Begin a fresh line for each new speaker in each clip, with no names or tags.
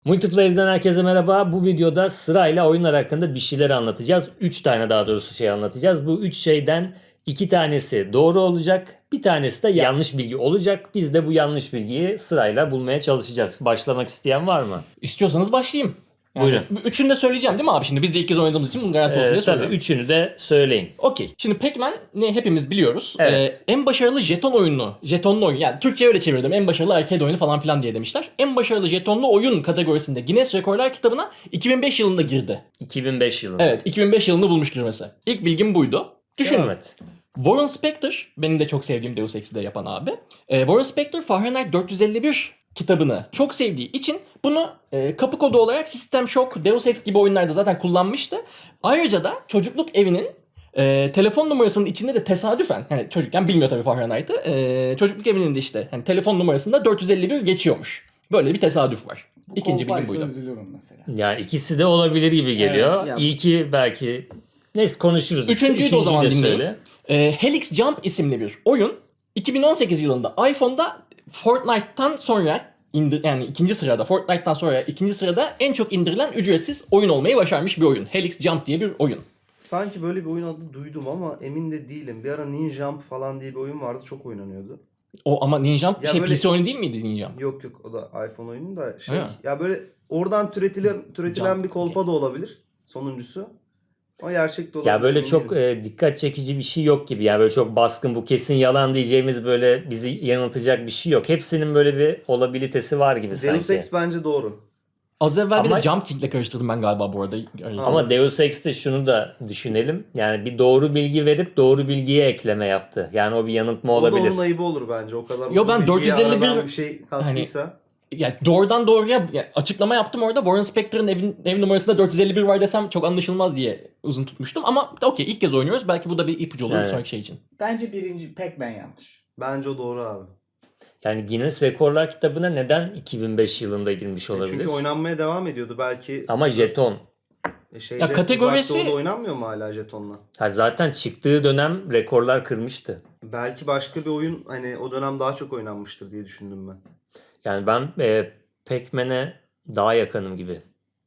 Multiplayer'den herkese merhaba. Bu videoda sırayla oyunlar hakkında bir şeyler anlatacağız. 3 tane daha doğrusu şey anlatacağız. Bu 3 şeyden 2 tanesi doğru olacak. Bir tanesi de yanlış bilgi olacak. Biz de bu yanlış bilgiyi sırayla bulmaya çalışacağız. Başlamak isteyen var mı?
İstiyorsanız başlayayım.
Buyurun.
Üçünü de söyleyeceğim değil mi abi? Şimdi biz de ilk kez oynadığımız için bunu garanti olsun diye
Tabii
söylüyorum.
üçünü de söyleyin.
Okey. Şimdi Pac-Man ne hepimiz biliyoruz.
Evet.
En başarılı jetonlu oyun. Yani Türkçe'ye öyle çevirdim. En başarılı arcade oyunu falan filan diye demişler. En başarılı jetonlu oyun kategorisinde Guinness Rekorlar kitabına 2005 yılında girdi.
2005 yılında.
Evet, 2005 yılında bulmuş girmesi. İlk bilgim buydu. Düşünün.
Devam et.
Warren Spector, benim de çok sevdiğim Deus Ex'i de yapan abi. Warren Spector Fahrenheit 451 kitabını çok sevdiği için bunu kapı kodu olarak System Shock, Deus Ex gibi oyunlarda zaten kullanmıştı. Ayrıca da çocukluk evinin telefon numarasının içinde de tesadüfen, yani çocukken bilmiyor tabii Fahrenheit'ı, çocukluk evinin de işte hani telefon numarasında 451 geçiyormuş. Böyle bir tesadüf var. İkinci bilgim buydu.
Üzülürüm mesela.
Yani ikisi de olabilir gibi geliyor.
Evet, ya.
İyi ki belki neyse konuşuruz.
Üçüncüyü de o zaman dinleyin.
söyle.
Helix Jump isimli bir oyun 2018 yılında iPhone'da Fortnite'tan sonra yani Fortnite'tan sonra ikinci sırada en çok indirilen ücretsiz oyun olmayı başarmış bir oyun. Helix Jump diye bir oyun.
Sanki böyle bir oyun adı duydum ama emin de değilim. Bir ara Ninjump falan diye bir oyun vardı, çok oynanıyordu.
O ama Ninja
Ya böyle-
PC oyunu değil miydi Ninja?
Yok o da iPhone oyunu da şey.
Ha.
Ya böyle oradan türetilen
Jump,
bir kolpa da olabilir sonuncusu. Ama gerçek de olabilir.
Ya böyle
emin
çok
değilim.
dikkat çekici bir şey yok gibi. Yani böyle çok baskın bu kesin yalan diyeceğimiz böyle bizi yanıltacak bir şey yok. Hepsinin böyle bir olabilitesi var gibi
Deus
sanki.
Ex bence doğru.
Az evvel bir
Ama-
de Jump King'le karıştırdım ben galiba bu arada.
Ama Deus Ex'te şunu da düşünelim. Yani bir doğru bilgi verip doğru bilgiye ekleme yaptı. Yani o bir yanıltma
O da
olabilir.
onun ayıbı olur bence. O kadar
Yo,
uzun
ben
bilgiye
451
aradan bir şey kattıysa.
Yani doğrudan doğruya açıklama yaptım orada. Warren Spector'ın ev numarasında 451 var desem çok anlaşılmaz diye uzun tutmuştum. Ama okey, ilk kez oynuyoruz. Belki bu da bir ipucu olur bir
Evet.
sonraki şey için.
Bence birinci Pac-Man yanlış.
Bence o doğru abi.
Yani Guinness Rekorlar kitabına neden 2005 yılında girmiş olabilir?
Çünkü oynanmaya devam ediyordu belki.
Ama jeton.
Şeyde,
Ya kategorisi-
Uzak Doğu'da oynanmıyor mu hala jetonla?
Ha zaten çıktığı dönem rekorlar kırmıştı.
Belki başka bir oyun hani o dönem daha çok oynanmıştır diye düşündüm ben.
Yani ben Pac-Man'e daha yakınım gibi.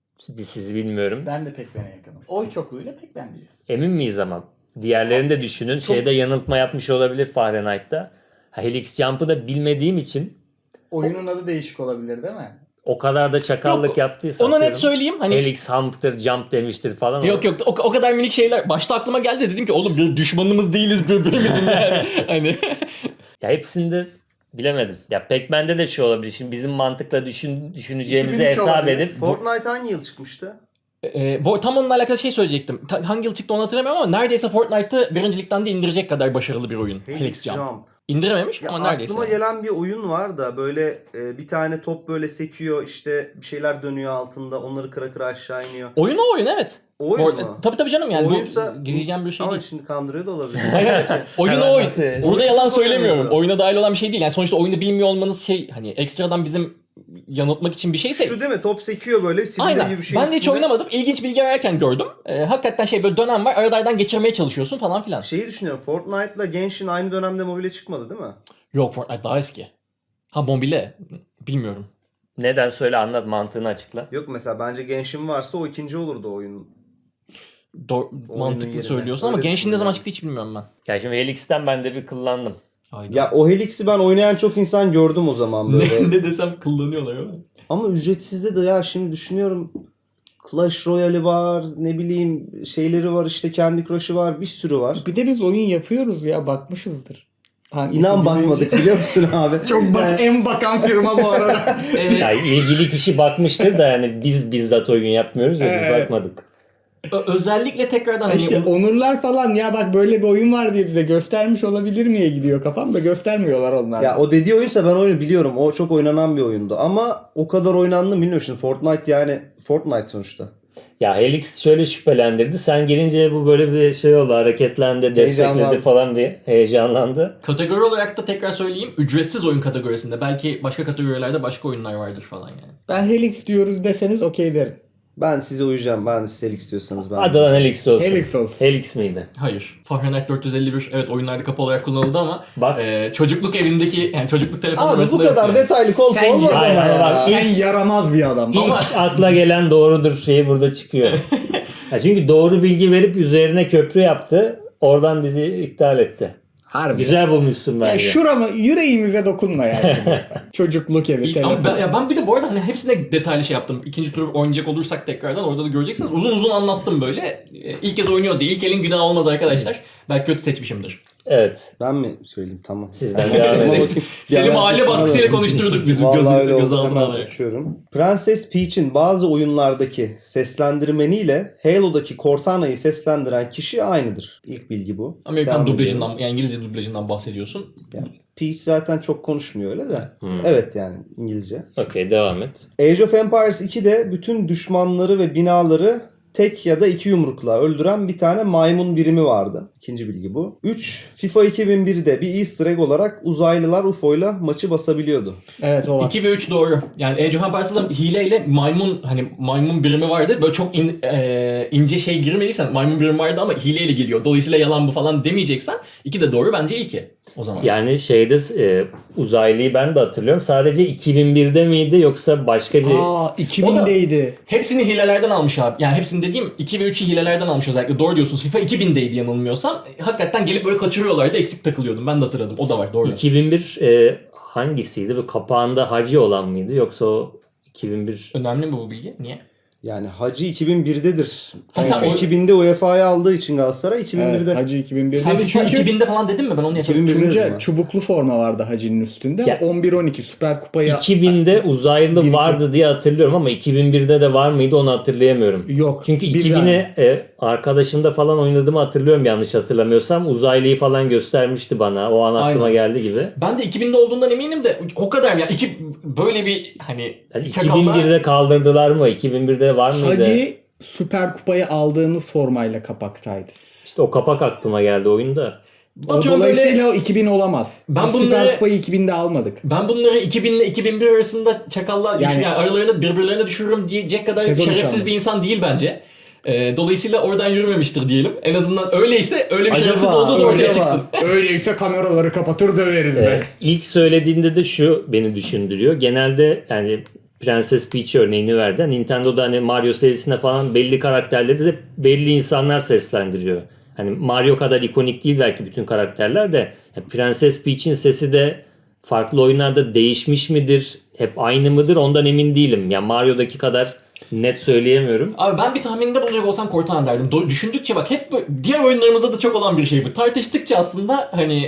Sizi bilmiyorum.
Ben de Pac-Man'e yakınım. Oy çokluğuyla Pac-Man diyeceğiz.
Emin miyiz ama? Diğerlerini de düşünün. Şeyde yanıltma yapmış olabilir Fahrenheit'ta. Helix Jump'ı da bilmediğim için
Oyunun adı değişik olabilir değil mi?
o kadar da çakallık
Yok,
yaptıysa
Ona net
atıyorum,
söyleyeyim. Hani
Helix Hump'tır, Jump demiştir falan.
yok o kadar minik şeyler. Başta aklıma geldi, dedim ki oğlum bir düşmanımız değiliz birbirimizin yani. Hani
Ya hepsinde bilemedim. Ya Pac-Man'de de şey olabilir. Şimdi bizim mantıkla düşüneceğimizi
2002
hesap
olabilir.
edip
Fortnite hangi yıl çıkmıştı?
tam onunla alakalı şey söyleyecektim. Hangi yıl çıktı onu hatırlamıyorum ama neredeyse Fortnite'ı birincilikten de indirecek kadar başarılı bir oyun. Helix Jump. İndirememiş
Ya
ama neredeyse.
aklıma gelen bir oyun var da böyle bir tane top böyle sekiyor, işte bir şeyler dönüyor altında, onları kıra kıra aşağı iniyor.
Oyun o oyun, evet.
O oyun mu?
Tabii canım, yani
Oyunsa-
bu gizleyeceğim bir şey
Ama
değil.
şimdi kandırıyor da olabilir.
Oyun
Hemen
o oyun.
nasıl?
Burada yalan
Oyun
söylemiyorum.
oynuyordu.
Oyuna dahil olan bir şey değil. Yani sonuçta oyunu bilmiyor olmanız şey, hani ekstradan bizim yanıltmak için bir şeyse.
Şu değil mi? Top sekiyor böyle silindir
Aynen.
gibi bir şey.
Ben de hiç oynamadım. İlginç bilgi ararken gördüm. Hakikaten şey, böyle dönem var. Aralardan geçirmeye çalışıyorsun falan filan.
Şeyi düşünüyorum. Fortnite'la Genshin aynı dönemde mobile çıkmadı değil mi?
Yok, Fortnite daha eski. Ha, mobile. Bilmiyorum.
neden söyle anlat mantığını açıkla.
Yok, mesela bence Genshin varsa o ikinci olurdu oyun.
Mantıklı
yerine.
söylüyorsun
Öyle
ama Genshin ne zaman
düşünüyorum.
çıktı hiç bilmiyorum ben.
Ya şimdi Helix'ten ben de bir kullandım.
Hayda.
Ya o Helix'i ben oynayan çok insan gördüm o zaman böyle.
ne desem kullanıyorlar ama.
Ama ücretsizde de ya şimdi düşünüyorum. Clash Royale'i var, ne bileyim şeyleri var, işte Candy Crush'ı var, bir sürü var.
Bir de biz oyun yapıyoruz ya, bakmışızdır. Hangisi
İnan
birinci?
bakmadık biliyor musun abi?
Çok
Yani-
en bakan firma bu arada.
Ya ilgili kişi bakmıştır da yani biz bizzat oyun yapmıyoruz ya biz
Evet.
bakmadık.
Özellikle tekrardan hani
işte onurlar falan ya, bak böyle bir oyun var diye bize göstermiş olabilir miye gidiyor kafam da, göstermiyorlar onlar.
Ya o dediği oyunsa ben oyunu biliyorum. O çok oynanan bir oyundu. Ama o kadar oynandı mı bilmiyorum. Şimdi Fortnite yani Fortnite sonuçta.
Ya Helix şöyle şüphelendirdi. Sen girince bu böyle bir şey oldu. Hareketlendi, destekledi
Heyecanlandı.
falan bir heyecanlandı.
kategori olarak da tekrar söyleyeyim, ücretsiz oyun kategorisinde. Belki başka kategorilerde başka oyunlar vardır falan yani.
Ben Helix diyoruz deseniz okey derim.
Ben size uyacağım. Ben de siz Helix diyorsanız ben.
Hadi lan Helix olsun.
Helix olsun.
Helix miydi?
Hayır. Fahrenheit 451 evet oyunlarda kapı olarak kullanıldı ama
Bak.
çocukluk evindeki yani çocukluk telefonu
Abi bu
arasında
kadar
yok yani.
detaylı kolpa
Sen
olmaz ama
Hayır,
ya.
bak,
Sen yaramaz bir adam.
İlk akla gelen doğrudur şeyi burada çıkıyor. Ya çünkü doğru bilgi verip üzerine köprü yaptı. Oradan bizi iptal etti.
Harbi.
Güzel bulmuşsun
Ya
bence.
şurama yüreğimize dokunma yani. Çocukluk evi.
İlk, ama
telefon.
ben bir de bu arada hani hepsine detaylı şey yaptım. İkinci tur oynayacak olursak tekrardan orada da göreceksiniz. Uzun uzun anlattım böyle. İlk kez oynuyoruz diye. İlk elin günah olmaz arkadaşlar. Belki kötü seçmişimdir.
Evet.
Ben mi söyleyeyim? Tamam.
Sizden devam edelim.
Seni
ben
mahalle
kesin
baskısıyla
alalım.
konuşturduk bizim
Vallahi öyle
göz
oldu.
altına
Hemen
alarak.
uçuyorum. Prenses Peach'in bazı oyunlardaki seslendirmeniyle Halo'daki Cortana'yı seslendiren kişi aynıdır. İlk bilgi bu.
Amerikan
Devam
dublajından
ediyorum.
yani İngilizce dublajından bahsediyorsun.
Yani Peach zaten çok konuşmuyor öyle de. Evet yani İngilizce.
Okey, devam et.
Age of Empires 2'de bütün düşmanları ve binaları tek ya da iki yumrukla öldüren bir tane maymun birimi vardı. İkinci bilgi bu. 3. FIFA 2001'de bir easter egg olarak uzaylılar UFO'yla maçı basabiliyordu.
Evet o var.
2 ve 3 doğru. Yani Age of Empires'da hileyle maymun birimi vardı. Böyle çok ince şey girmediysen maymun birimi vardı ama hileyle geliyor. Dolayısıyla yalan bu falan demeyeceksen 2 de doğru bence ilki o zaman.
Yani şeyde uzaylıyı ben de hatırlıyorum. Sadece 2001'de miydi yoksa başka bir...
Aa 2000'deydi.
Hepsini hilelerden almış abi. Yani hepsini dediğim 2 ve 3'ü hilelerden almış özellikle. Doğru diyorsun. FIFA 2000'deydi yanılmıyorsam. Hakikaten gelip böyle kaçırıyorlardı. Eksik takılıyordum. Ben de hatırladım. O da var. Doğru.
2001 hangisiydi? Bu kapağında hacı olan mıydı yoksa o 2001...
Önemli mi bu bilgi? Niye?
Yani Hacı 2001'dedir.
Ha, sen
Çünkü
o-
2000'de UEFA'yı aldığı için Galatasaray 2001'de.
Evet, Hacı 2001'deydi.
Sen FIFA
Çünkü
2000'de falan dedin mi? Ben onu yapıyorum.
2001'de dedim
Tunca
ben.
çubuklu forma vardı Hacı'nın üstünde.
Ya-
11-12 Süper Kupa'ya
2000'de uzaylı vardı diye hatırlıyorum ama 2001'de de var mıydı onu hatırlayamıyorum.
yok.
Çünkü
bir
2000'e arkadaşımda falan oynadığımı hatırlıyorum yanlış hatırlamıyorsam. Uzaylıyı falan göstermişti bana. O an aklıma
Aynen.
geldi gibi.
Ben de 2000'de olduğundan eminim de o kadar ya. Böyle bir hani
Yani
çakallar-
2001'de kaldırdılar mı? 2001'de var mıydı?
Hacı Süper Kupa'yı aldığımız formayla kapaktaydı.
İşte o kapak aklıma geldi oyunda.
O
Atıyorum
dolayısıyla o 2000 olamaz.
Ben
Biz
bunları-
Süper Kupa'yı 2000'de almadık.
Ben bunları 2000 ile 2001 arasında çakallar yani aralarında birbirlerine düşürürüm diyecek kadar
Sezon
şerefsiz
içi
bir insan değil bence. Dolayısıyla oradan yürümemiştir diyelim. En azından öyleyse öyle bir
Acaba,
şerefsiz olduğu da ortaya
acaba.
çıksın.
Öyleyse kameraları kapatır döveriz be.
İlk söylediğinde de şu beni düşündürüyor. Genelde yani Prenses Peach örneğini verdi. Nintendo'da hani Mario serisine falan belli karakterleri de belli insanlar seslendiriyor. Hani Mario kadar ikonik değil belki bütün karakterler de. Yani Prenses Peach'in sesi de farklı oyunlarda değişmiş midir? Hep aynı mıdır? Ondan emin değilim. Yani Mario'daki kadar net söyleyemiyorum.
Abi ben bir tahminde bulacak olsam Cortana derdim. Düşündükçe bak hep diğer oyunlarımızda da çok olan bir şey bu. Tartıştıkça aslında hani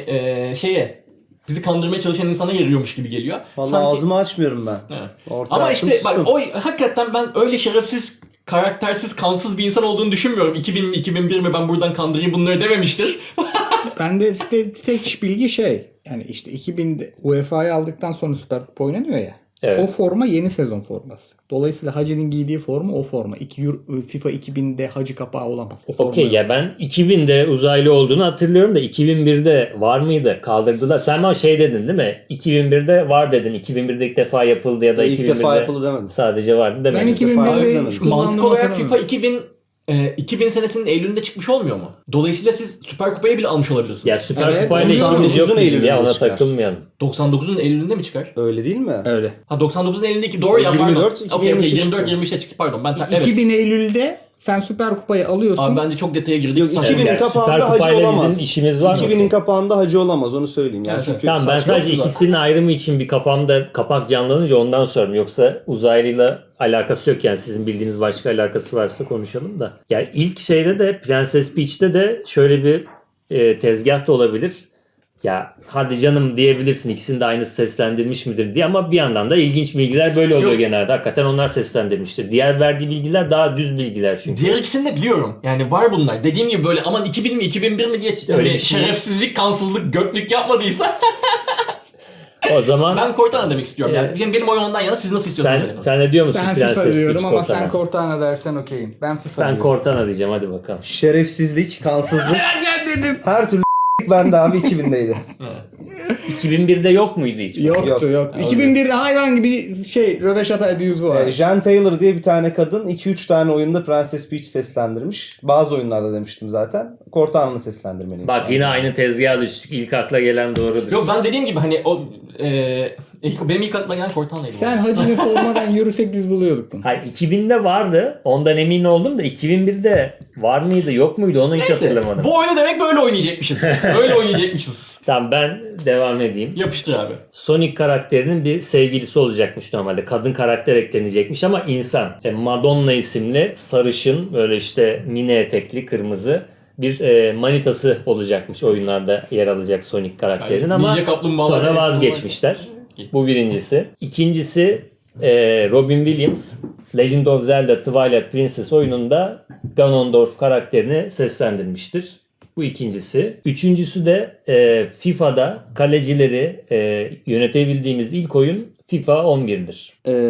bizi kandırmaya çalışan insana yarıyormuş gibi geliyor.
Vallahi ağzımı açmıyorum ben.
Evet.
Ortaya
Ama
attım,
işte bak
sustum.
hakikaten ben öyle şerefsiz, karaktersiz, kansız bir insan olduğunu düşünmüyorum. 2000 mi 2001 mi ben buradan kandırayım bunları dememiştir.
Ben de tek bilgi yani işte 2000'de UEFA'yı aldıktan sonra Süper Kupa oynanıyor ya.
Evet.
O forma yeni sezon forması. Dolayısıyla Hacı'nın giydiği forma o forma. FIFA 2000'de Hacı kapağı olamaz. O forma
Okey
yok.
ya ben 2000'de uzaylı olduğunu hatırlıyorum da 2001'de var mıydı? Kaldırdılar. Sen bana şey dedin değil mi? 2001'de var dedin. 2001'de ilk defa yapıldı ya da
İlk
2001'de
defa yapıldı demedim.
sadece vardı
Ben
demedin.
2001'de
Mantık
Mantık olarak
hatırlamıyorum.
FIFA 2000 senesinin Eylül'ünde çıkmış olmuyor mu? Dolayısıyla siz Süper Kupayı bile almış olabilirsiniz.
Ya Süper
Evet,
Kupayla
onu
işimiz yok
99'un
bizim ya ona
Eylül'ünde çıkar.
takılmayalım.
99'un Eylül'ünde mi çıkar?
Öyle değil mi?
Öyle.
Ha 99'un Eylül'ünde doğru ya pardon.
24,
Okey
2023'te
24
çıktı.
23'te çıktı pardon. Evet.
2000 Eylül'de sen Süper Kupayı alıyorsun.
Abi bence çok detaya girdik.
Yok,
Saçma.
2000'in
Yani
kapağında
Süper
Hacı
Kupayla
olamaz.
bizim işimiz var mı?
2000'in kapağında Hacı olamaz onu söyleyeyim. Yani
Evet,
çünkü
evet.
Tamam ben
saçma.
sadece
güzel.
ikisinin ayrımı için bir kafamda kapak canlanınca ondan sordum. Yoksa uzaylıyla alakası yok yani sizin bildiğiniz başka alakası varsa konuşalım da. Yani ilk şeyde de Prenses Peach'te de şöyle bir tezgah da olabilir. Ya hadi canım diyebilirsin ikisini de aynısı seslendirmiş midir diye ama bir yandan da ilginç bilgiler böyle oluyor
Yok.
genelde. Hakikaten onlar seslendirmiştir. Diğer verdiği bilgiler daha düz bilgiler çünkü.
Diğer ikisini de biliyorum. Yani var bunlar. Dediğim gibi böyle aman 2000 mi 2001 mi diye
öyle
öyle
bir şey.
şerefsizlik, kansızlık, göklük yapmadıysa
O zaman
ben Cortana demek istiyorum. Yani
Evet.
benim oyun ondan yana siz nasıl istiyorsanız
sen,
verin.
sen ne diyor musun
Ben
Prenses
FIFA diyorum
Peach
ama
Cortana?
sen Cortana dersen okeyim. Ben FIFA
Ben
diyorum.
Cortana diyeceğim hadi bakalım.
Şerefsizlik, kansızlık
Ben dedim.
her türlü bende abi 2000'deydi.
Evet.
2001'de yok muydu hiç?
Yoktu. 2001'de hayvan gibi Röveşata abuse'u var.
Jen Taylor diye bir tane kadın 2-3 tane oyunda Princess Peach seslendirmiş. Bazı oyunlarda demiştim zaten. Cortana'nı seslendirmeliyim.
Bak yine aynı tezgaha düştük. İlk akla gelen doğrudur.
Yok ben dediğim gibi hani o benim ilk aklıma gelen Cortana'ydı.
Sen Hacı'nı sormadan yürüsek biz buluyorduk bunu.
Hayır 2000'de vardı. Ondan emin oldum da 2001'de var mıydı yok muydu onu hiç
Neyse,
hatırlamadım.
bu oyunu demek böyle oynayacakmışız. Böyle oynayacakmışız.
Tamam ben devam edeyim.
Yapıştır abi.
Sonic karakterinin bir sevgilisi olacakmış normalde. Kadın karakter eklenecekmiş ama insan. Madonna isimli sarışın böyle işte mini etekli kırmızı bir manitası olacakmış oyunlarda yer alacak Sonic karakterin
Yani
ama
Ninja Kaplumbağalar
sonra
evet,
vazgeçmişler. Bu birincisi. İkincisi Robin Williams Legend of Zelda Twilight Princess oyununda Ganondorf karakterini seslendirmiştir. Bu ikincisi. Üçüncüsü de FIFA'da kalecileri yönetebildiğimiz ilk oyun FIFA 11'dir.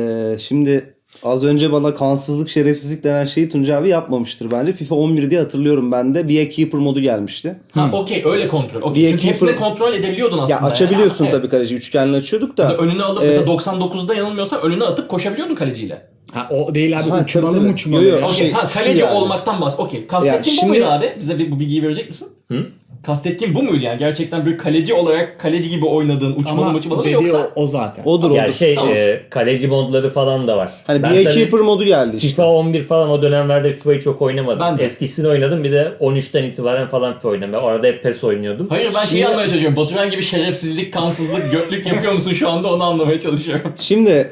Şimdi az önce bana kansızlık, şerefsizlik denen şeyi Tuncay abi yapmamıştır bence. FIFA 11 diye hatırlıyorum ben de. Be a Keeper modu gelmişti.
Ha okey öyle kontrol. Okay.
Bir
Çünkü
keeper-
hepsini kontrol edebiliyordun aslında.
Ya açabiliyorsun
yani.
tabii kaleci. Üçgenle açıyorduk da.
Önüne alıp mesela 99'da yanılmıyorsam önüne atıp koşabiliyordun kaleciyle.
Ha o değil abi
Ha,
uçmalı
tabii, tabii.
uçmalı.
Yo, yo.
ya.
Okey.
Şey-
Kaleci
yani.
olmaktan Okey. Kastettiğin
Yani
bu muydu
şimdi-
abi? Bize bu bilgiyi verecek misin?
Hı?
Kastettiğin bu muydu yani? Gerçekten bir kaleci olarak kaleci gibi oynadığın uçmalı mı
dediği
yoksa?
o zaten.
Odur
Yani
odur.
şey
Tamam.
kaleci modları falan da var.
Hani
Ben
Be a
tabii
Keeper modu geldi işte.
FIFA 11 falan o dönemlerde FIFA'yı çok oynamadım.
Ben de.
Eskisini oynadım bir de 13'ten itibaren falan FIFA oynadım. Ben orada hep PES oynuyordum.
Hayır ben şeyi
Şimdi-
anlamaya çalışıyorum. Baturan gibi şerefsizlik, kansızlık, götlük yapıyor musun şu anda onu anlamaya çalışıyorum.
Şimdi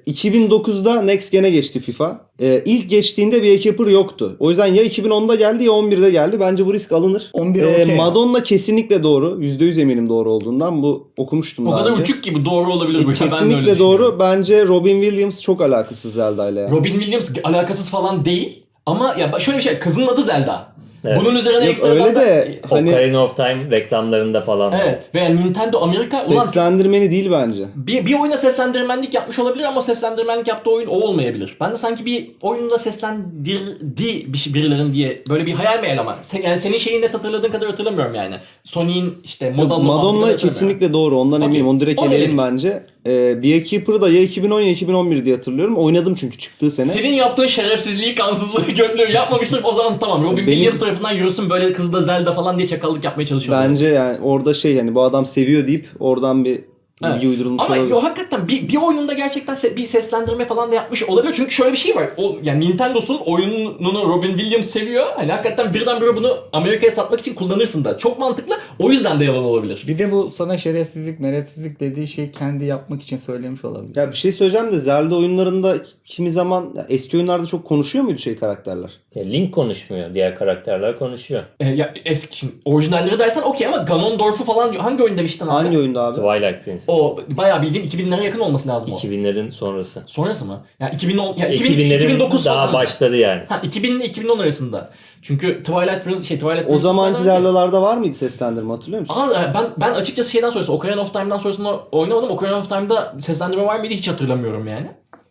2009'da Next Gen'e geçti FIFA. İlk geçtiğinde Be a Keeper yoktu. O yüzden ya 2010'da geldi ya 11'de geldi. Bence bu risk alınır.
11 okey.
Madonna kesinlikle doğru. %100 eminim doğru olduğundan. Bu okumuştum
O
daha
kadar
önce.
uçuk gibi doğru olabilir bu. Ben de öyle
Kesinlikle
düşünüyorum.
doğru. Bence Robin Williams çok alakasız Zelda ile.
Robin Williams alakasız falan değil. Ama ya şöyle bir şey. Kızın adı Zelda.
Evet.
Bunun üzerine
Yok,
ekstra
öyle de hani
Hani-
Ocarina of Time reklamlarında falan. var.
Evet. Veya Nintendo Amerika ulan
seslendirmeni değil bence.
bir oyuna seslendirmenlik yapmış olabilir ama seslendirmenlik yaptığı oyun o olmayabilir. Ben de sanki bir oyunda seslendirdi birilerin diye böyle bir hayal meyal ama yani senin şeyi net hatırladığın kadar hatırlamıyorum yani. Sony'in işte
Madonna kesinlikle doğru. Ondan
Okey.
eminim. Onu direkt
O
eleyelim
demek.
bence. Be a Keeper'ı da ya 2010 ya 2011 diye hatırlıyorum. Oynadım çünkü çıktığı sene.
Senin yaptığın şerefsizliği, kansızlığı, götlüğü yapmamıştır. O zaman tamam. Robin
Benim-
Williams tarafından yürüsün böyle kızı da Zelda falan diye çakallık yapmaya çalışıyor.
Bence yani orada şey yani bu adam seviyor deyip oradan bir
Evet.
bilgi uydurulmuş
Ama
olabilir.
o hakikaten bir oyununda gerçekten bir seslendirme falan da yapmış olabilir. Çünkü şöyle bir şey var. Yani Nintendo'sun oyununu Robin Williams seviyor. Hani hakikaten birdenbire bunu Amerika'ya satmak için kullanırsın da. Çok mantıklı. O yüzden de yalan olabilir.
Bir de bu sana şerefsizlik, merefsizlik dediği şeyi kendi yapmak için söylemiş olabilir.
Ya bir şey söyleyeceğim de Zelda oyunlarında kimi zaman ya eski oyunlarda çok konuşuyor muydu karakterler?
Link konuşmuyor. Diğer karakterler konuşuyor.
Ya eski şimdi orijinalleri dersen okey ama Ganondorf'u falan hangi oyun demiştin abi?
Hangi oyunda abi?
Twilight Princess.
O bayağı bildiğin 2000'lere yakın olması lazım o.
2000'lerin sonrası.
Sonrası mı? Ya 2010 ya
2000'lerin
2009
daha
sonra.
başları yani.
Ha 2000 ile 2010 arasında. Çünkü Twilight
O
Princess'tan
zamanki
önce-
Zelda'larda var mıydı seslendirme hatırlıyor musun?
ben açıkçası şeyden sonrası Ocarina of Time'dan sonrasında oynamadım. Ocarina of Time'da seslendirme var mıydı hiç hatırlamıyorum yani.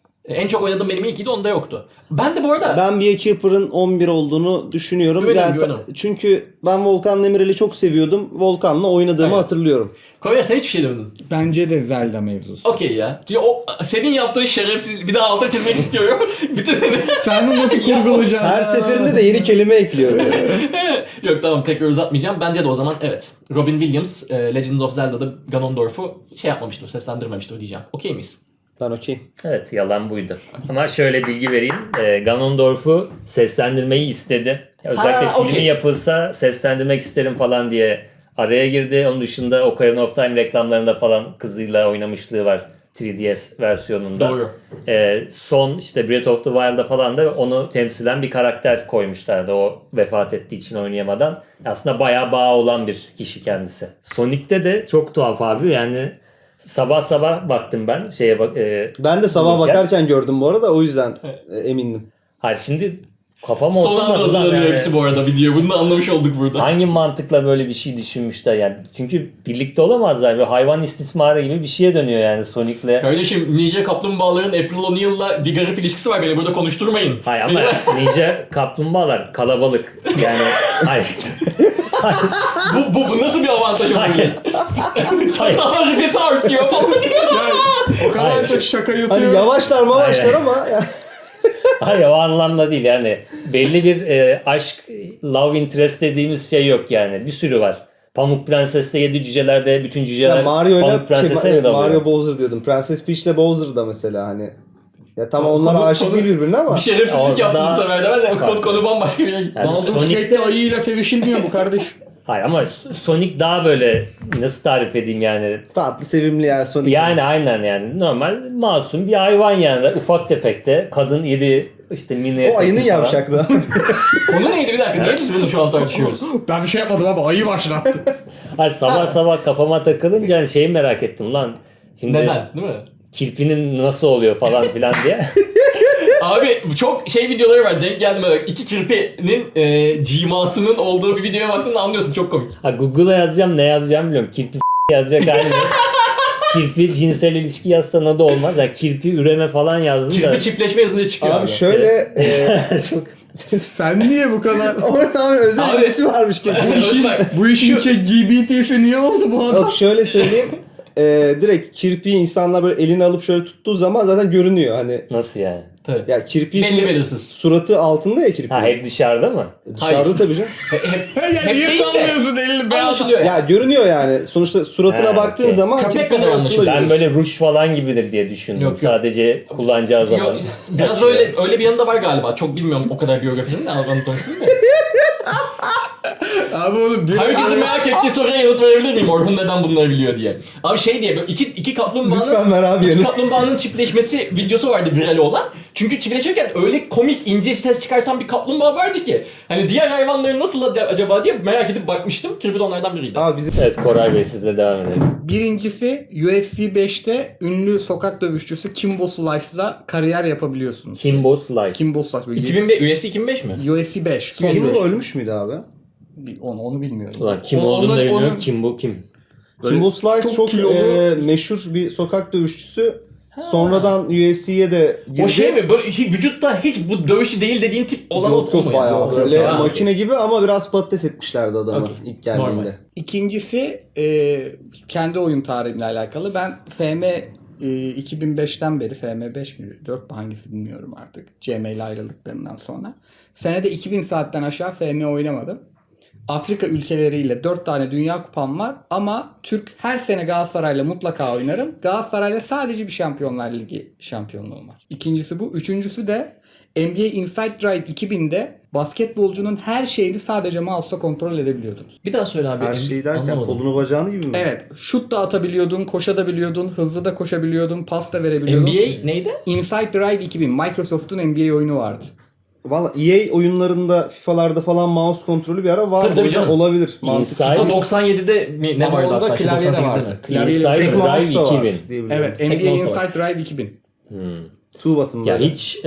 En çok oynadığım benim ilkiydi onda yoktu. Ben de bu arada
Ben Be a Keeper'ın 11 olduğunu düşünüyorum.
Güvenirim.
Çünkü ben Volkan Demirel'i çok seviyordum. Volkan'la oynadığımı
Aynen.
hatırlıyorum.
Konya sen hiçbir şey demedin.
Bence de Zelda mevzusu.
Okey ya. Çünkü senin yaptığın şerefsiz bir daha altına çizmek istiyorum. Bütün
Sen bunu nasıl kurgulayacaksın?
Her seferinde de yeni kelime ekliyor.
Yok tamam tekrar uzatmayacağım. Bence de o zaman evet. Robin Williams Legend of Zelda'da Ganondorf'u yapmamıştır, seslendirmemiştir diyeceğim. Okey miyiz?
Ben okey.
Evet yalan buydu. Ama şöyle bilgi vereyim. Ganondorf'u seslendirmeyi istedi. Özellikle
Ha,
filmi
okey.
yapılsa seslendirmek isterim falan diye araya girdi. Onun dışında Ocarina of Time reklamlarında falan kızıyla oynamışlığı var. 3DS versiyonunda.
Doğru.
Son işte Breath of the Wild'da falan da onu temsilen bir karakter koymuşlardı. O vefat ettiği için oynayamadan. Aslında bayağı bağı olan bir kişi kendisi. Sonic'te de çok tuhaf abi yani sabah baktım ben şeye bak.
Ben de sabah
Bulurken.
bakarken gördüm bu arada o yüzden emindim.
Hayır şimdi kafam
Son anda
oturmadı lan
hazırlanıyor
yani.
hepsi bu arada video. Bunu da anlamış olduk burada.
Hangi mantıkla böyle bir şey düşünmüşler yani. Çünkü birlikte olamazlar. Böyle hayvan istismarı gibi bir şeye dönüyor yani Sonic'le.
Kardeşim Ninja Kaplumbağaların April O'Neil'la bir garip ilişkisi var. Beni burada konuşturmayın.
Hayır ama Ninja kaplumbağalar kalabalık. Yani hayır.
Bu nasıl bir avantaj oluyor?
Hayır. Hayır.
Daha nefesi artıyor falan.
O kadar
Hayır.
çok şaka yutuyor.
Hani yavaşlar mavaşlar
Aynen.
ama ya.
Hayır, o anlamda değil yani. Belli bir aşk, love interest dediğimiz şey yok yani. Bir sürü var. Pamuk Prenses'te 7 cücelerde bütün cüceler
Ya Mario
Pamuk
ile
Prenses'e mi dalıyor?
Mario Bowser diyordum. Prenses Peach ile Bowser da mesela hani. Ya tamam onlar
Konu-
aşık
konu-
değil birbirine ama.
Bir şerefsizlik
Orada
yaptım bu sefer de ben de
farklı.
konu bambaşka bir yere gitti.
Yani
Baldur's
Sonic'te-
Gate'de ayıyla sevişilmiyor bu kardeş.
Hayır ama Sonic daha böyle, nasıl tarif edeyim yani.
Tatlı sevimli yani Sonic.
Yani aynen yani. Normal masum bir hayvan yani. Ufak tefekte. Kadın iri işte mini.
O ayının
falan.
yavşaklığı.
Konu neydi bir dakika? Niye biz bunu şu an tartışıyoruz?
Ben bir şey yapmadım abi. Ayı başlattı.
Hayır, sabah sabah kafama takılınca hani şeyi merak ettim lan. Şimdi
Neden? Değil mi?
kirpinin nasıl oluyor falan filan diye.
Abi çok şey videoları var, denk geldim öyle. İki kirpinin cimasının olduğu bir videoya baktığında anlıyorsun, çok komik.
Ha, Google'a yazacağım, ne yazacağım bilmiyorum. Kirpi yazacak halim yok. Kirpi cinsel ilişki yazsan o da olmaz. Yani kirpi üreme falan yazdım da.
Kirpi çiftleşme yazınca çıkıyor
Abi şöyle
Çok...
Sen niye bu kadar...
orada özel
Abi-
birisi varmış ki.
Bu işin,
Bu işin GBT'si niye oldu bu adam?
Yok şöyle söyleyeyim. Direkt kirpiği insanlar böyle elini alıp şöyle tuttuğu zaman zaten görünüyor hani.
Nasıl yani?
tabii.
Ya kirpiği
Belli
şimdi
belirsiz.
suratı altında ya kirpiğin.
Ha, hep dışarıda mı?
Dışarıda
Hayır.
tabii canım.
Ya niye
değil de
sallıyorsun elini be?
Anlaşılıyor
Ya
yani.
görünüyor yani. Sonuçta suratına
Ha,
baktığın
okey.
zaman
Köpek
kirpiğin
kadar
arasında
anlaşılıyor.
Ben
görüyorsun.
böyle ruj falan gibidir diye düşündüm.
Yok, yok.
Sadece kullanacağı zaman.
Yok, biraz
Açıyor.
öyle bir yanı da var galiba. Çok bilmiyorum o kadar biyografisini de anatomisini de.
Abi oğlum bir...
Herkesin merak ettiği soruya yanıt verebilir miyim? Orhun neden bunları biliyor diye. Abi şey diye böyle iki kaplumbağanın
Lütfen ver abi
iki
yanıt.
kaplumbağanın çiftleşmesi videosu vardı viral olan. Çünkü çiftleşirken öyle komik ince ses çıkartan bir kaplumbağa vardı ki. Hani diğer hayvanların nasıl acaba diye merak edip bakmıştım. Kirpi de onlardan biriydi.
Abi bizim
Evet, Koray Bey sizle devam edelim.
Birincisi UFC 5'te ünlü sokak dövüşçüsü Kimbo Slice'la kariyer yapabiliyorsunuz.
Kimbo Slice.
Kimbo Slice.
2005, UFC 2005 mi?
UFC 5. Son
kim
beş.
bu ölmüş müydü abi?
Onu bilmiyorum.
Ulan kim
Onu-
olduğunu da
onları-
bilmiyorum.
onun-
Kimbo kim?
Kimbo Slice
çok
çok
kilolu-
meşhur bir sokak dövüşçüsü. Sonradan UFC'ye de girdi.
O şey mi? Böyle vücutta hiç bu dövüşçü değil dediğin tip olan
Yok
o
yok
mu?
bayağı
Yok,
böyle
yok. Ha,
makine gibi ama biraz patates etmişlerdi adamı
Okey.
ilk geldiğinde.
Normal.
İkincisi kendi oyun tarihimle alakalı. Ben FM 2005'ten beri FM5 mi 4 mü hangisi bilmiyorum artık. CM ile ayrıldıklarından sonra. Senede 2000 saatten aşağı FM oynamadım. Afrika ülkeleriyle 4 tane dünya kupam var ama Türk her sene Galatasaray'la mutlaka oynarım. Galatasaray'la sadece bir Şampiyonlar Ligi şampiyonluğum var. İkincisi bu. Üçüncüsü de NBA Inside Drive 2000'de basketbolcunun her şeyini sadece mouse'la kontrol edebiliyordunuz.
Bir daha söyle abi.
Her şey derken
Anlamadım.
kolunu bacağını gibi mi?
Evet. Şut da atabiliyordun, koşabiliyordun, hızlı da koşabiliyordun, pas da verebiliyordun.
NBA neydi?
Inside Drive 2000. Microsoft'un NBA oyunu vardı.
Valla EA oyunlarda, FIFA'larda falan mouse kontrolü bir ara vardı.
Tabii,
O yüzden
canım.
olabilir.
Inside-
FIFA
Mantıklı.
97'de mi ne
Ama
vardı
onda
hatta?
klavye de
98'de
vardı.
mi?
Klavye-
Inside
Tek mouse
Drive
da var
2000.
diye biliyorum.
Evet,
Tek
NBA
mouse
Inside
var.
Drive 2000.
Two button
Ya
böyle.
hiç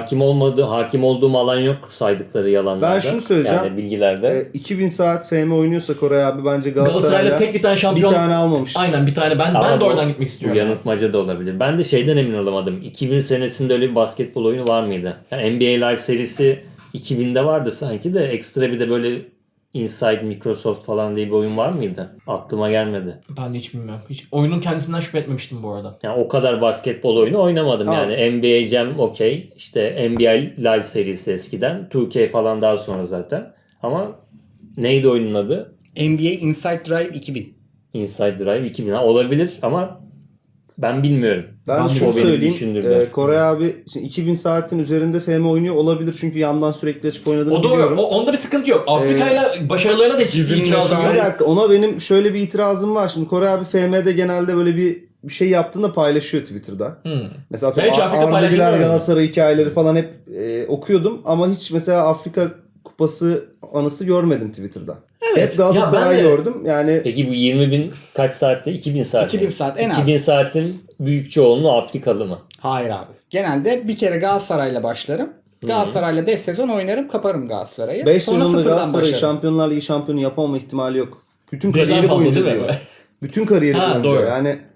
hakim olduğum alan yok saydıkları yalanlarda.
Ben şunu söyleyeceğim.
Yani bilgilerde.
2000 saat FM oynuyorsa Koray abi bence
Galatasaray'la
Galatasaray'la
tek bir tane
bir
şampiyon.
tane almamıştır.
Aynen bir tane. Ben
Ama
de
bu-
oradan gitmek
Bu
istiyorum.
yanıltmaca da olabilir. Ben de şeyden emin olamadım. 2000 senesinde öyle bir basketbol oyunu var mıydı? Yani NBA Live serisi 2000'de vardı sanki de ekstra bir de böyle Inside Microsoft falan diye bir oyun var mıydı? Aklıma gelmedi.
Ben de hiç bilmiyorum. Hiç oyunun kendisinden şüphe etmemiştim bu arada.
Yani o kadar basketbol oyunu oynamadım
Tamam.
yani. NBA Jam okey. İşte NBA Live serisi eskiden. 2K falan daha sonra zaten. Ama neydi oyunun adı?
NBA Inside Drive 2000.
Inside Drive 2000. Ha, olabilir ama ben bilmiyorum.
Ben
Ben
şunu
o beni
söyleyeyim.
düşündürdü.
Koray abi şimdi 2000 saatin üzerinde FM oynuyor olabilir çünkü yandan sürekli açıp oynadığını
O doğru.
biliyorum.
Onda bir sıkıntı yok. Afrika'yla başarılarına da hiç
Bizim
itirazım
mesela-
Bir
yok.
dakika ona benim şöyle bir itirazım var. Şimdi Koray abi FM'de genelde böyle bir şey yaptığında paylaşıyor Twitter'da. Mesela
Ben hiç Afrika
Arda
paylaşımı
Güler
görmedim.
Galatasaray hikayeleri falan hep okuyordum ama hiç mesela Afrika Kupası anısı görmedim Twitter'da.
Evet.
Hep Galatasaray
Ya ben de-
gördüm. Yani
Peki bu 20 bin kaç saatte? 2000 saat.
2000
mi?
saat en az.
2000 saatin büyük çoğunluğu Afrikalı mı?
Hayır abi. Genelde bir kere Galatasaray'la başlarım. Galatasaray'la 5 sezon oynarım, kaparım Galatasaray'ı.
5
Sonra
sezonda
sıfırdan
Galatasaray
başlarım.
Şampiyonlar Ligi şampiyonu yapamama ihtimali yok. Bütün
Birden
kariyeri
fazla
boyunca
değil mi?
diyor. Bütün kariyeri
Ha,
boyunca
doğru.
yani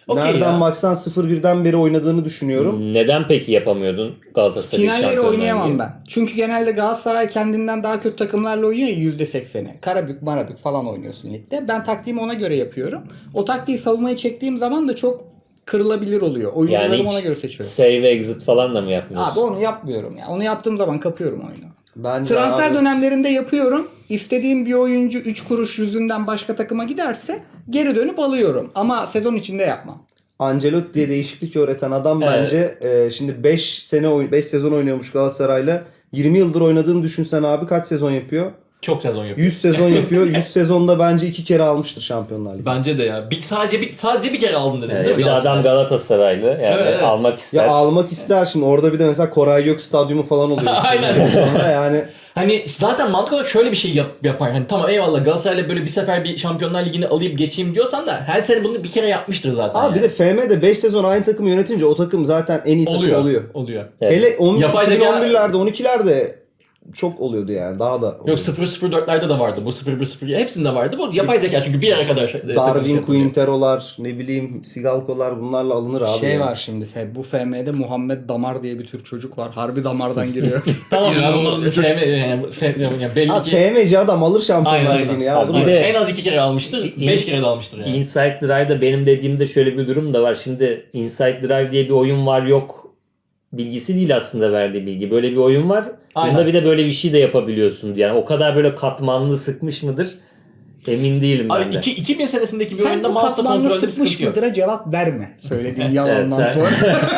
Okey
Nereden
ya.
baksan 0-1'den beri oynadığını düşünüyorum.
Neden peki yapamıyordun Galatasaray
Finalleri
Şampiyonlar
oynayamam
Ligi?
ben. Çünkü genelde Galatasaray kendinden daha kötü takımlarla oynuyor ya %80'i. Karabük, Marabük falan oynuyorsun ligde. Ben taktiğimi ona göre yapıyorum. O taktiği savunmaya çektiğim zaman da çok kırılabilir oluyor. Oyuncularımı
Yani
ona
hiç
göre seçiyorum.
save exit falan da mı yapmıyorsun?
Abi onu yapmıyorum ya. Onu yaptığım zaman kapıyorum oyunu.
Bence
Transfer
abi-
dönemlerinde yapıyorum. İstediğim bir oyuncu 3 kuruş yüzünden başka takıma giderse geri dönüp alıyorum. Ama sezon içinde yapmam.
Ancelotti diye değişiklik öğreten adam
Evet.
bence şimdi 5 sezon oynuyormuş Galatasaray'la. 20 yıldır oynadığını düşünsen abi kaç sezon yapıyor?
Çok sezon yapıyor.
100 sezon yapıyor. 100 sezonda bence 2 kere almıştır Şampiyonlar Ligi.
Bence de ya. Sadece bir kere aldın dedin değil mi?
Bir de adam Galatasaraylı. Yani
Evet, evet.
almak ister.
Ya almak ister şimdi orada bir de mesela Koray Gök stadyumu falan oluyor.
Aynen.
Sonra yani
Hani zaten mantık olarak şöyle bir şey yapar. Hani tamam eyvallah Galatasaray'la böyle bir sefer bir Şampiyonlar Ligi'ni alayım geçeyim diyorsan da her sene bunu bir kere yapmıştır zaten.
abi bir de FM'de 5 sezon aynı takımı yönetince o takım zaten en iyi takım oluyor.
Oluyor.
Evet.
Hele 11,
Yapay zeka-
2011'lerde 12'lerde çok oluyordu yani daha da.
Yok
oluyordu.
0-0-4'lerde de vardı. Bu 0-1-0 hepsinde vardı. Bu yapay zeka çünkü bir yere kadar
Darwin Quintero'lar, ne bileyim Sigalko'lar bunlarla alınır abi.
Şey
yani.
var şimdi bu FM'de Muhammed Damar diye bir Türk çocuk var. Harbi damardan giriyor.
Tamam ya
İnanılmaz
bu
bir çocuk.
yani belli
Abi
ki
FM'ci adam alır Şampiyonlar
Aynen,
Ligi'ni ya.
Abi
olur mu?
bir de-
en az 2 kere almıştır.
İn-
5 kere de almıştır yani.
Inside Drive'da benim dediğimde şöyle bir durum da var. Şimdi Inside Drive diye bir oyun var yok bilgisi değil aslında verdiği bilgi. Böyle bir oyun var.
Aynen.
Bunda bir de böyle bir şey de yapabiliyorsun. Yani o kadar böyle katmanlı sıkmış mıdır? Emin değilim ben
Abi
de.
2000 senesindeki bir
Sen
oyunda
bu
mouse'la
katmanlı
kontrolde bir
sıkmış
sıkıntı yok.
mıdır'a cevap verme. Söylediğin yalandan
sen-
sonra.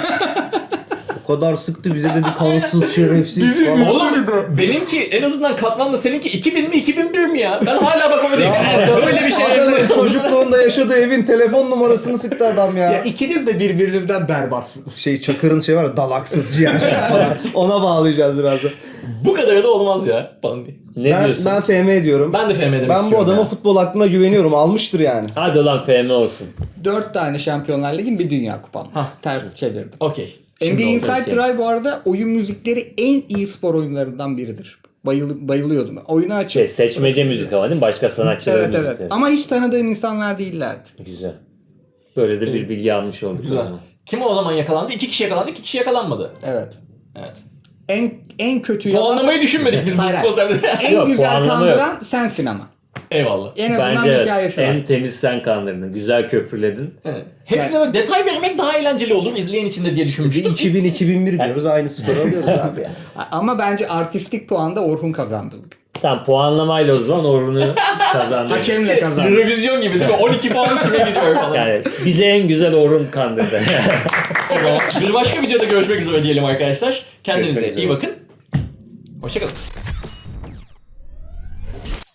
O kadar sıktı bize dedi kansız şerefsiz falan.
Oğlum benimki en azından katmanlı seninki 2000 mi 2001 mi ya? Ben hala bak öyle böyle bir şey
Adamın çocukluğunda yaşadığı evin telefon numarasını sıktı adam ya.
Ya ikiniz de birbirinizden berbatsınız.
Şey Çakır'ın şey var ya dalaksız ciğersiz falan. Ona bağlayacağız birazdan.
Bu kadar da olmaz ya. Falan diye.
Ne diyorsun?
Ben FM diyorum.
Ben de FM demek
Ben bu
istiyorum
adamın
ya.
futbol aklına güveniyorum. Almıştır yani.
Hadi ulan FM olsun.
4 tane Şampiyonlar Ligi'nin bir Dünya Kupam.
Hah.
Ters çevirdim.
Okey.
NBA
Şimdi oldu.
Inside
okey.
Drive bu arada oyun müzikleri en iyi spor oyunlarından biridir. Bayılıyordum. Oyunu açıp.
Şey, seçmece müzik ama değil mi? Başka sanatçıların
Evet evet.
müzikleri.
Ama hiç tanıdığım insanlar değillerdi.
Güzel. Böyle de bir bilgi almış olduk.
Güzel.
ama.
Kim o zaman yakalandı? 2 kişi yakalandı, 2 kişi yakalanmadı.
Evet.
Evet.
En kötü yalan.
Puanlamayı düşünmedik biz
Hayır,
bu
hayır.
konseptte.
En
Yok,
güzel
puanlama yok.
kandıran sensin ama.
Eyvallah.
En azından
Bence evet.
hikayesi var.
En temiz sen kandırdın. Güzel köprüledin.
Evet. Hepsine böyle detay vermek daha eğlenceli olur izleyen için de diye
Bir
düşünmüştüm.
2000-2001 diyoruz. Aynı skoru alıyoruz abi ya.
Ama bence artistik puanda Orhun kazandı bugün.
Tamam puanlamayla o zaman Orhun'u kazandın.
Hakemle kazandı.
Revizyon gibi değil mi? 12 puan kime gidiyor falan.
Yani bize en güzel Orhun kandırdı.
O zaman bir başka videoda görüşmek üzere diyelim arkadaşlar. Kendinize
Görüşmek
iyi
üzere.
bakın. Hoşçakalın.